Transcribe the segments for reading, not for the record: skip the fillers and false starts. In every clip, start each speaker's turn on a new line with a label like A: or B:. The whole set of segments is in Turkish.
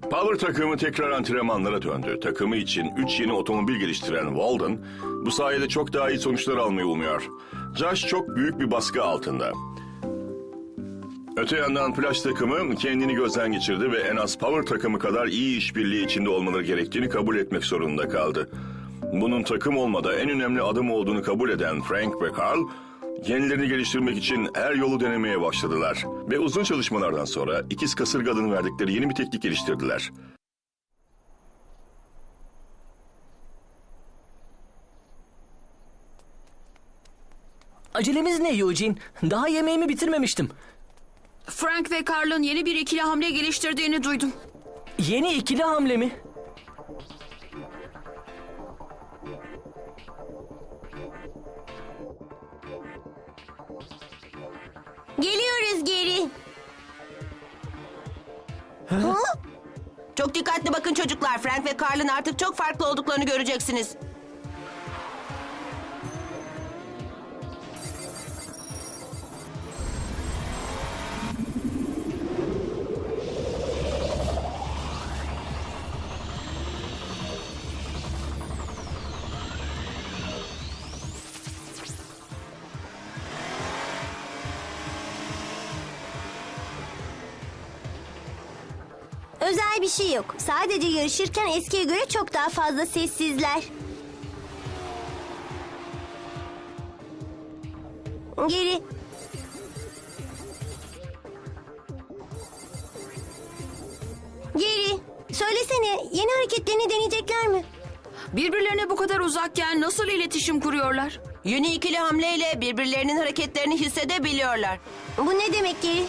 A: Power takımı tekrar antrenmanlara döndü. Takımı için 3 yeni otomobil geliştiren Walden, bu sayede çok daha iyi sonuçlar almayı umuyor. Josh çok büyük bir baskı altında. Öte yandan Flash takımı kendini gözden geçirdi ve en az Power takımı kadar iyi işbirliği içinde olmaları gerektiğini kabul etmek zorunda kaldı. Bunun takım olmada en önemli adım olduğunu kabul eden Frank ve Carl, kendilerini geliştirmek için her yolu denemeye başladılar. Ve uzun çalışmalardan sonra ikiz kasırga adını verdikleri yeni bir teknik geliştirdiler.
B: Acelemiz ne Eugene? Daha yemeğimi bitirmemiştim.
C: Frank ve Carl'ın yeni bir ikili hamle geliştirdiğini duydum.
B: Yeni ikili hamle mi?
D: Geliyoruz geri. Ha? Çok dikkatli bakın çocuklar. Frank ve Carl'ın artık çok farklı olduklarını göreceksiniz.
E: Özel bir şey yok. Sadece yarışırken eskiye göre çok daha fazla sessizler. Geri. Geri. Söylesene, yeni hareketlerini deneyecekler mi?
C: Birbirlerine bu kadar uzakken nasıl iletişim kuruyorlar?
D: Yeni ikili hamleyle birbirlerinin hareketlerini hissedebiliyorlar.
E: Bu ne demek Geri?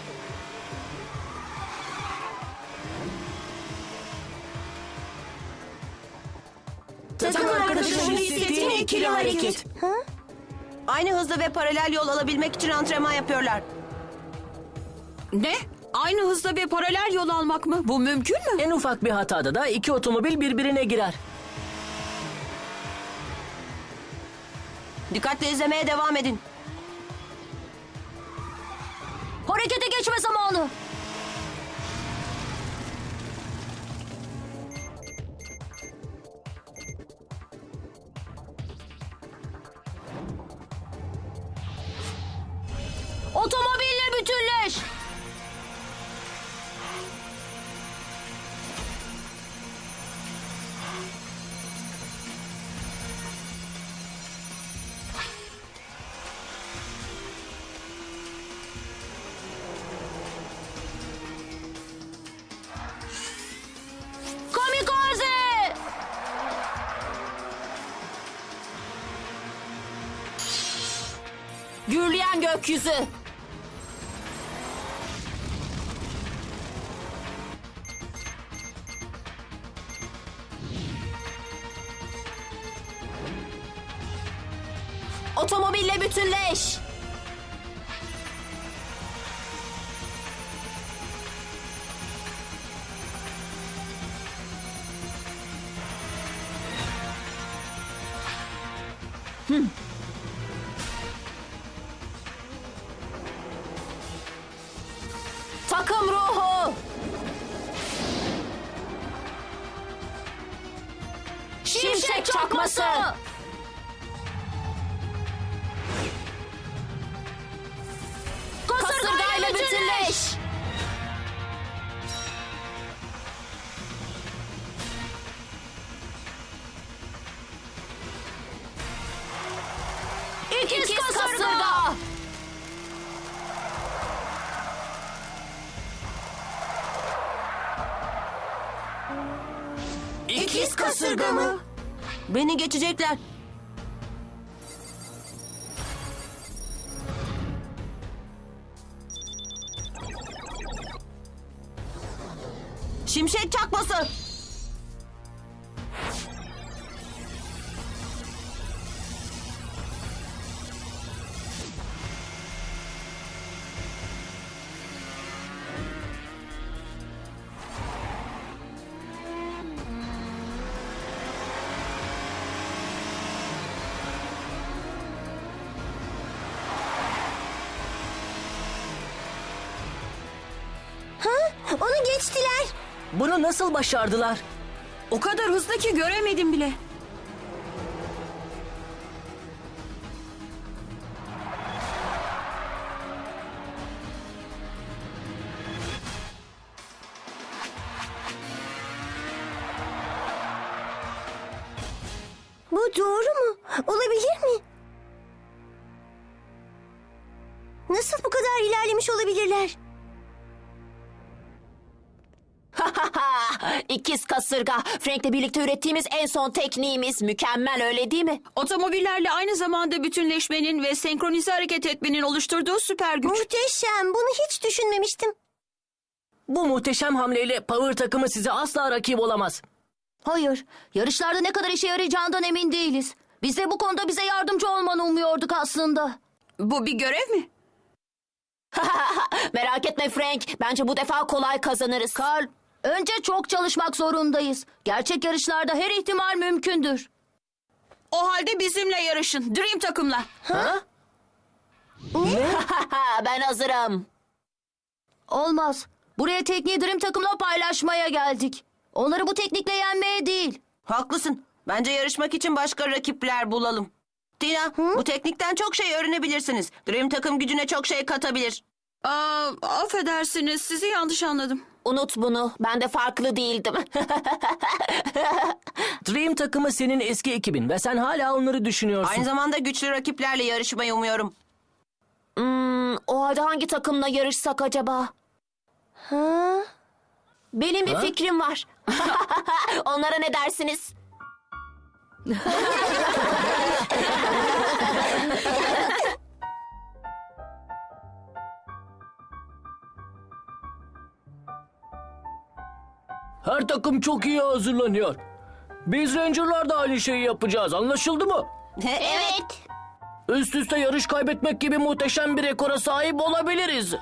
D: Takım arkadaşının hissettiğin ikili hareket. Aynı hızda ve paralel yol alabilmek için antrenman yapıyorlar.
C: Ne? Aynı hızda ve paralel yol almak mı? Bu mümkün mü?
B: En ufak bir hatada da iki otomobil birbirine girer.
D: Dikkatle izlemeye devam edin.
E: Harekete geçme zamanı. Otomobille bütünleş. Kamikaze!
C: Gürleyen gökyüzü.
D: Otomobille bütünleş. Takım ruhu. Şimşek çakması. Kasırgayla bütünleş. İkiz kasırga. İkiz kasırga mı? Beni geçecekler. Şimşek çakması.
E: Onu geçtiler.
B: Bunu nasıl başardılar?
C: O kadar hızlı ki göremedim bile.
E: Bu doğru mu? Olabilir mi? Nasıl bu kadar ilerlemiş olabilirler?
F: İkiz kasırga. Frank'le birlikte ürettiğimiz en son tekniğimiz. Mükemmel, öyle değil mi?
C: Otomobillerle aynı zamanda bütünleşmenin ve senkronize hareket etmenin oluşturduğu süper güç.
E: Muhteşem. Bunu hiç düşünmemiştim.
B: Bu muhteşem hamleyle Power takımı size asla rakip olamaz.
F: Hayır. Yarışlarda ne kadar işe yarayacağından emin değiliz. Biz de bu konuda bize yardımcı olmanı umuyorduk aslında.
C: Bu bir görev mi?
F: Merak etme Frank. Bence bu defa kolay kazanırız. Carl, önce çok çalışmak zorundayız. Gerçek yarışlarda her ihtimal mümkündür.
C: O halde bizimle yarışın. Dream takımla.
F: Ben hazırım. Olmaz. Buraya tekniği Dream takımla paylaşmaya geldik. Onları bu teknikle yenmeye değil.
D: Haklısın. Bence yarışmak için başka rakipler bulalım. Tina, bu teknikten çok şey öğrenebilirsiniz. Dream takım gücüne çok şey katabilir.
C: Affedersiniz, sizi yanlış anladım.
F: Unut bunu. Ben de farklı değildim.
B: Dream takımı senin eski ekibin ve sen hala onları düşünüyorsun.
D: Aynı zamanda güçlü rakiplerle yarışmayı umuyorum.
F: O halde hangi takımla yarışsak acaba? Benim bir fikrim var. Onlara ne dersiniz?
B: Her takım çok iyi hazırlanıyor. Biz Ranger'lar da aynı şeyi yapacağız. Anlaşıldı mı?
E: Evet.
B: Üst üste yarış kaybetmek gibi muhteşem bir rekora sahip olabiliriz.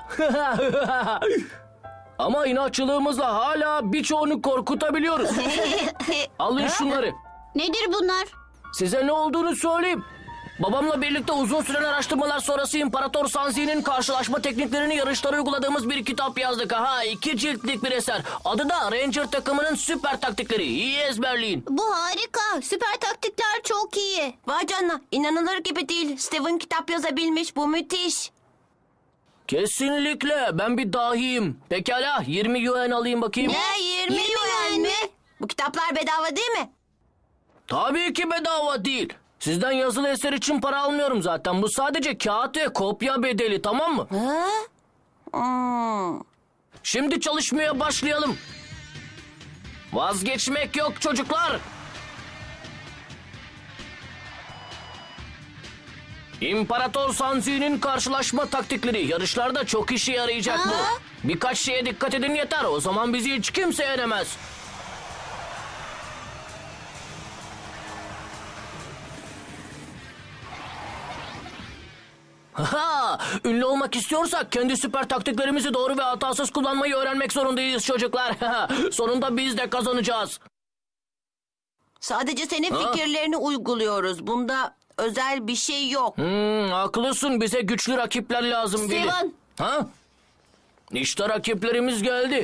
B: Ama inatçılığımızla hala birçoğunu korkutabiliyoruz. Alın şunları.
E: Nedir bunlar?
B: Size ne olduğunu söyleyeyim. Babamla birlikte uzun süren araştırmalar sonrası İmparator Sanzi'nin karşılaşma tekniklerini yarışlara uyguladığımız bir kitap yazdık. 2 ciltlik bir eser. Adı da Ranger takımının süper taktikleri. İyi ezberleyin.
E: Bu harika. Süper taktikler çok iyi.
D: Vay canına, inanılır gibi değil. Steven kitap yazabilmiş, bu müthiş.
B: Kesinlikle. Ben bir dahiyim. Pekala 20 yuan alayım bakayım.
D: Ne, 20 yuan mi? Bu kitaplar bedava değil mi?
B: Tabii ki bedava değil. Sizden yazılı eser için para almıyorum zaten. Bu sadece kağıt ve kopya bedeli, tamam mı? Şimdi çalışmaya başlayalım. Vazgeçmek yok çocuklar. İmparator Sanzi'nin karşılaşma taktikleri. Yarışlarda çok işe yarayacak bu. Birkaç şeye dikkat edin yeter. O zaman bizi hiç kimse yenemez. Ünlü olmak istiyorsak kendi süper taktiklerimizi doğru ve hatasız kullanmayı öğrenmek zorundayız çocuklar. Sonunda biz de kazanacağız.
D: Sadece senin fikirlerini uyguluyoruz. Bunda özel bir şey yok.
B: Haklısın, bize güçlü rakipler lazım Billy.
F: Steven.
B: İşte rakiplerimiz geldi.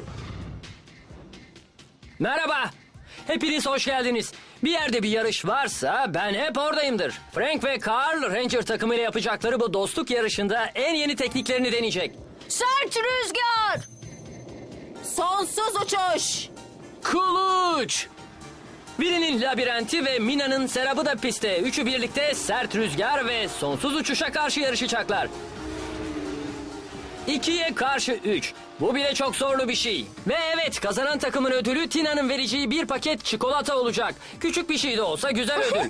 G: Merhaba. Hepiniz hoş geldiniz. Bir yerde bir yarış varsa ben hep oradayımdır. Frank ve Carl Ranger takımıyla yapacakları bu dostluk yarışında en yeni tekniklerini deneyecek.
F: Sert rüzgar. Sonsuz uçuş.
B: Kılıç!
G: Birinin labirenti ve Mina'nın serabı da pistte. Üçü birlikte sert rüzgar ve sonsuz uçuşa karşı yarışacaklar. 2'ye karşı 3. Bu bile çok zorlu bir şey. Ve evet, kazanan takımın ödülü Tina'nın vereceği bir paket çikolata olacak. Küçük bir şey de olsa güzel ödül.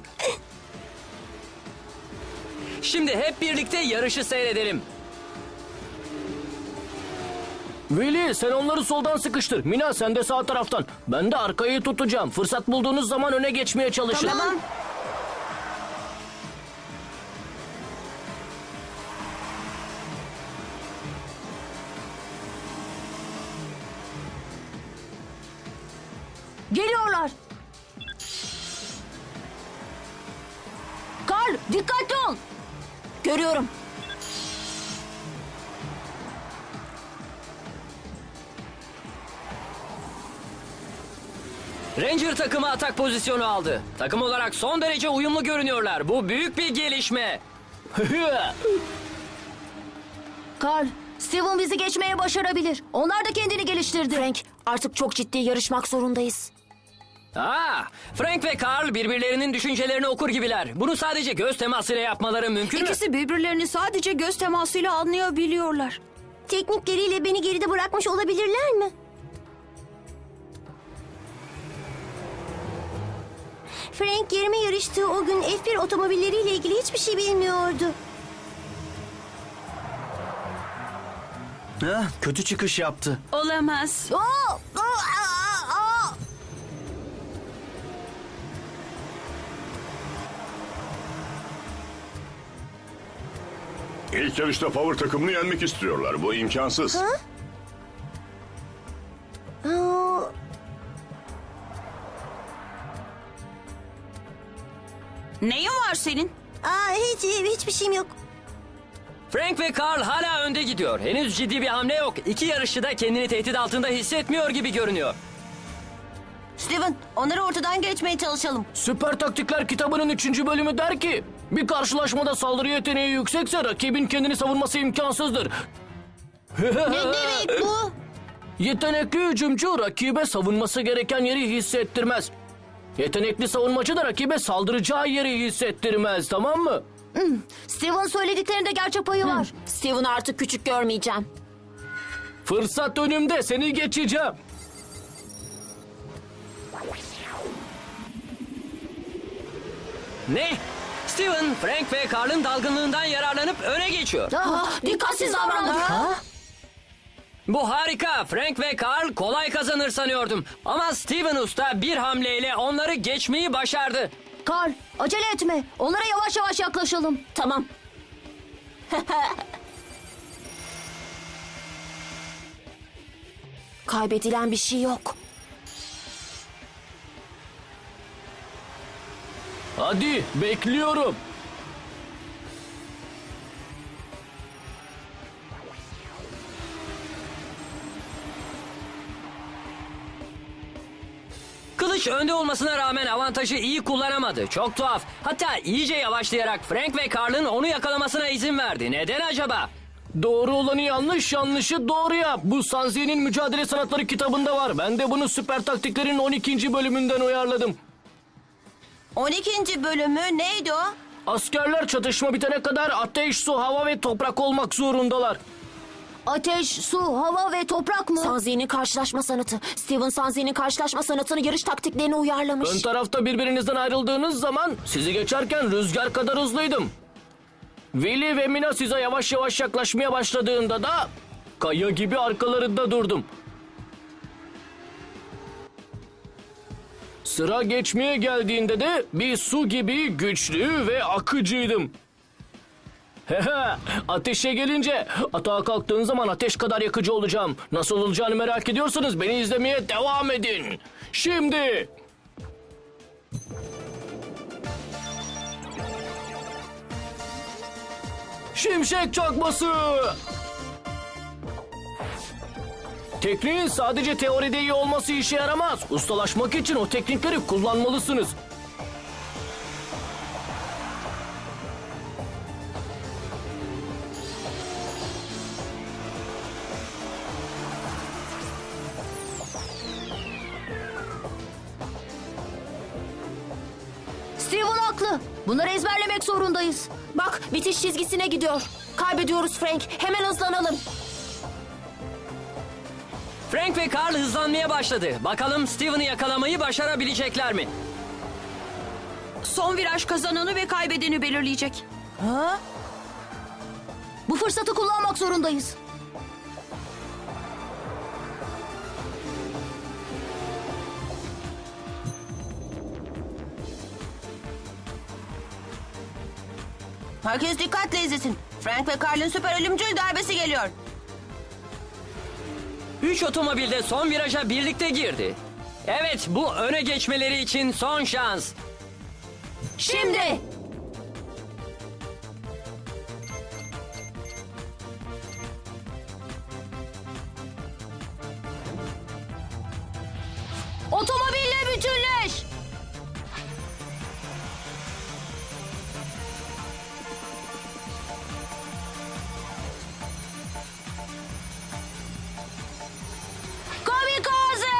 G: Şimdi hep birlikte yarışı seyredelim.
B: Willy, sen onları soldan sıkıştır. Mina, sen de sağ taraftan. Ben de arkayı tutacağım. Fırsat bulduğunuz zaman öne geçmeye çalışın.
D: Tamam.
F: Geliyorlar. Carl, dikkatli ol. Görüyorum.
G: Ranger takımı atak pozisyonu aldı. Takım olarak son derece uyumlu görünüyorlar. Bu büyük bir gelişme.
F: Carl, Steven bizi geçmeye başarabilir. Onlar da kendini geliştirdi. Frank, artık çok ciddi yarışmak zorundayız.
G: Frank ve Carl birbirlerinin düşüncelerini okur gibiler. Bunu sadece göz temasıyla yapmaları mümkün mü?
C: İkisi birbirlerini sadece göz temasıyla anlayabiliyorlar.
E: Teknikleriyle beni geride bırakmış olabilirler mi? Frank yerime yarıştığı o gün F1 otomobilleriyle ilgili hiçbir şey bilmiyordu.
H: Kötü çıkış yaptı.
C: Olamaz.
A: İlk yarışta Power takımını yenmek istiyorlar. Bu imkansız.
E: Aa,
C: Neyin var senin?
E: hiçbir şeyim yok.
G: Frank ve Carl hala önde gidiyor. Henüz ciddi bir hamle yok. İki yarışçı da kendini tehdit altında hissetmiyor gibi görünüyor.
D: Steven, onları ortadan geçmeye çalışalım.
B: Süper Taktikler kitabının 3. bölümü der ki... Bir karşılaşmada saldırı yeteneği yüksekse rakibin kendini savunması imkansızdır.
E: Ne demek bu?
B: Yetenekli hücumcu rakibe savunması gereken yeri hissettirmez. Yetenekli savunmacı da rakibe saldıracağı yeri hissettirmez, tamam mı?
F: Steven söylediklerinde gerçek payı var. Steven'ı artık küçük görmeyeceğim.
B: Fırsat önümde, seni geçeceğim.
G: Ne? Steven, Frank ve Carl'ın dalgınlığından yararlanıp öne geçiyor.
F: Dikkatsiz davrandık.
G: Bu harika. Frank ve Carl kolay kazanır sanıyordum. Ama Steven Usta bir hamleyle onları geçmeyi başardı.
F: Carl, acele etme. Onlara yavaş yavaş yaklaşalım.
D: Tamam.
F: Kaybedilen bir şey yok.
B: Hadi, bekliyorum.
G: Kılıç önde olmasına rağmen avantajı iyi kullanamadı. Çok tuhaf. Hatta iyice yavaşlayarak Frank ve Carl'ın onu yakalamasına izin verdi. Neden acaba?
B: Doğru olanı yanlış, yanlışı doğru yap. Bu Sanzi'nin Mücadele Sanatları kitabında var. Ben de bunu Süper Taktiklerin 12. bölümünden uyarladım.
D: 12. bölümü neydi o?
B: Askerler çatışma bitene kadar ateş, su, hava ve toprak olmak zorundalar.
F: Ateş, su, hava ve toprak mı? Sanzi'nin karşılaşma sanatı. Steven Sanzi'nin karşılaşma sanatını yarış taktiklerine uyarlamış.
B: Ön tarafta birbirinizden ayrıldığınız zaman sizi geçerken rüzgar kadar hızlıydım. Willy ve Mina size yavaş yavaş yaklaşmaya başladığında da kaya gibi arkalarında durdum. Sıra geçmeye geldiğinde de bir su gibi güçlü ve akıcıydım. Ateşe gelince atağa kalktığın zaman ateş kadar yakıcı olacağım. Nasıl olacağını merak ediyorsanız beni izlemeye devam edin. Şimdi... Şimşek çakması! Tekniğin sadece teoride iyi olması işe yaramaz. Ustalaşmak için o teknikleri kullanmalısınız.
F: Steven haklı. Bunları ezberlemek zorundayız. Bak, bitiş çizgisine gidiyor. Kaybediyoruz Frank. Hemen hızlanalım.
G: Frank ve Carl hızlanmaya başladı. Bakalım Steven'ı yakalamayı başarabilecekler mi?
C: Son viraj kazananı ve kaybedeni belirleyecek.
F: Bu fırsatı kullanmak zorundayız.
D: Herkes dikkatle izlesin. Frank ve Carl'ın süper ölümcül darbesi geliyor.
G: 3 otomobil de son viraja birlikte girdi. Evet, bu öne geçmeleri için son şans.
F: Şimdi. Otomobille bütünleş. Kamikaze!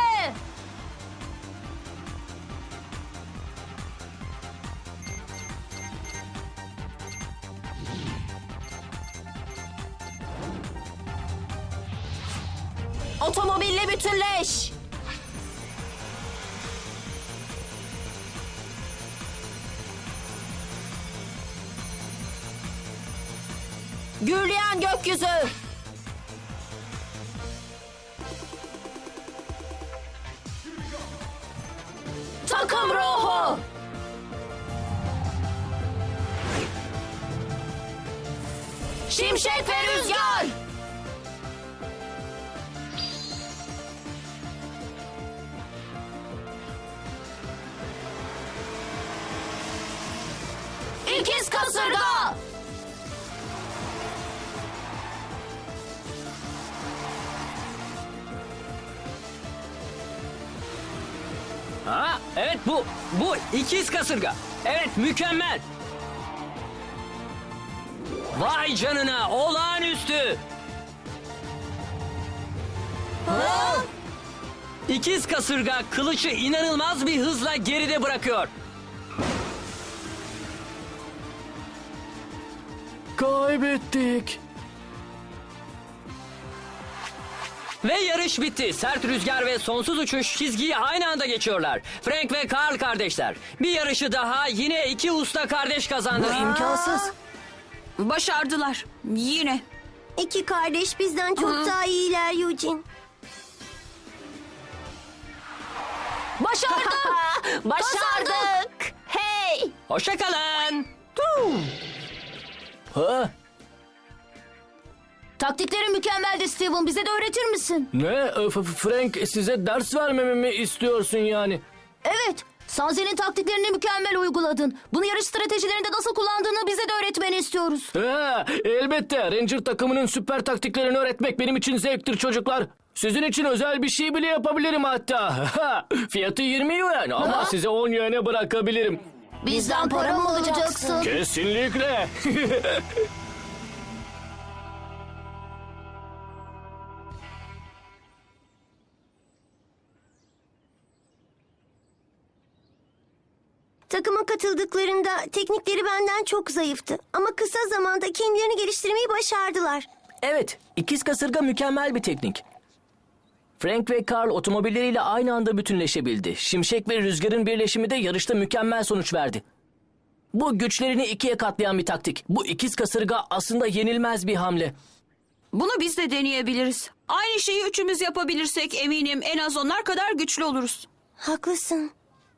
F: Otomobille bütünleş. Gürleyen gökyüzü. Takım ruhu. Şimşek ve rüzgar. İkiz kasırga.
G: Ha, evet bu ikiz kasırga. Evet, mükemmel. Vay canına, olağanüstü. İkiz kasırga kılıcı inanılmaz bir hızla geride bırakıyor.
B: Kaybettik.
G: Ve yarış bitti. Sert rüzgar ve sonsuz uçuş çizgiyi aynı anda geçiyorlar. Frank ve Carl kardeşler. Bir yarışı daha yine iki usta kardeş kazandı.
B: İmkansız.
C: Başardılar. Yine.
E: İki kardeş bizden çok daha iyiler Eugene.
F: Başardık. Başardık. Hey.
G: Hoşça kalın.
B: Ha?
F: Taktiklerin mükemmeldi Steven. Bize de öğretir misin?
B: Ne? Frank size ders vermemi mi istiyorsun yani?
F: Evet. Sanze'nin taktiklerini mükemmel uyguladın. Bunu yarış stratejilerinde nasıl kullandığını bize de öğretmeni istiyoruz.
B: Elbette. Ranger takımının süper taktiklerini öğretmek benim için zevktir çocuklar. Sizin için özel bir şey bile yapabilirim hatta. Fiyatı 20 yuan ama size 10 yuan'e bırakabilirim.
F: Bizden para mı alacaksın?
B: Kesinlikle.
E: Takıma katıldıklarında teknikleri benden çok zayıftı. Ama kısa zamanda kendilerini geliştirmeyi başardılar.
B: Evet, ikiz kasırga mükemmel bir teknik. Frank ve Carl otomobilleriyle aynı anda bütünleşebildi. Şimşek ve rüzgarın birleşimi de yarışta mükemmel sonuç verdi. Bu güçlerini ikiye katlayan bir taktik. Bu ikiz kasırga aslında yenilmez bir hamle.
C: Bunu biz de deneyebiliriz. Aynı şeyi üçümüz yapabilirsek eminim en az onlar kadar güçlü oluruz.
E: Haklısın.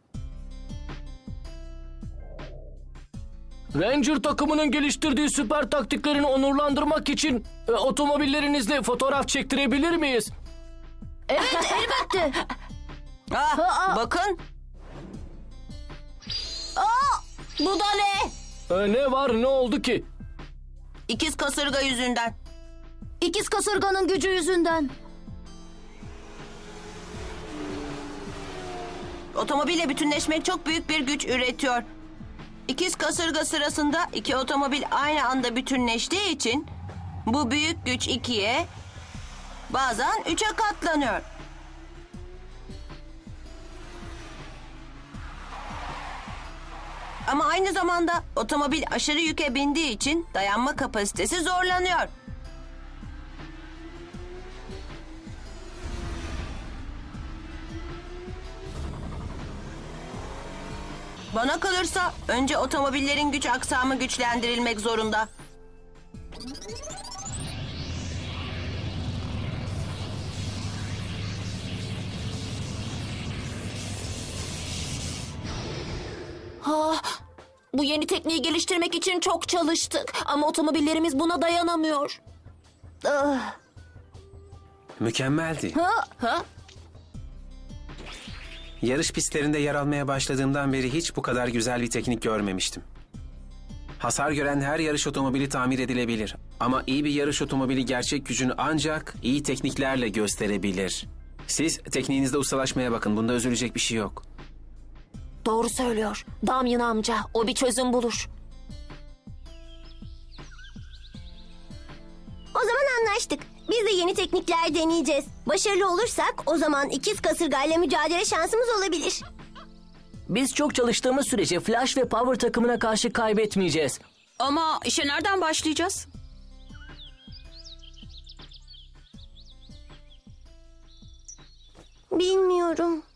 B: Ranger takımının geliştirdiği süper taktiklerini onurlandırmak için otomobillerinizle fotoğraf çektirebilir miyiz?
F: Evet, elbette.
D: Bakın.
F: Bu da ne?
B: Ne var, ne oldu ki?
D: İkiz kasırga yüzünden.
F: İkiz kasırganın gücü yüzünden.
D: Otomobille bütünleşmek çok büyük bir güç üretiyor. İkiz kasırga sırasında iki otomobil aynı anda bütünleştiği için bu büyük güç 2'ye, bazen 3'e katlanıyor. Ama aynı zamanda otomobil aşırı yüke bindiği için dayanma kapasitesi zorlanıyor. Bana kalırsa önce otomobillerin güç aksamı güçlendirilmek zorunda.
F: Bu yeni tekniği geliştirmek için çok çalıştık. Ama otomobillerimiz buna dayanamıyor.
H: Mükemmeldi. Yarış pistlerinde yer almaya başladığımdan beri hiç bu kadar güzel bir teknik görmemiştim. Hasar gören her yarış otomobili tamir edilebilir. Ama iyi bir yarış otomobili gerçek gücünü ancak iyi tekniklerle gösterebilir. Siz tekniğinizde ustalaşmaya bakın. Bunda üzülecek bir şey yok.
F: Doğru söylüyor. Damyan amca, o bir çözüm bulur.
E: O zaman anlaştık. Biz de yeni teknikler deneyeceğiz. Başarılı olursak o zaman ikiz kasırgayla mücadele şansımız olabilir.
B: Biz çok çalıştığımız sürece Flash ve Power takımına karşı kaybetmeyeceğiz.
C: Ama işe nereden başlayacağız?
E: Bilmiyorum.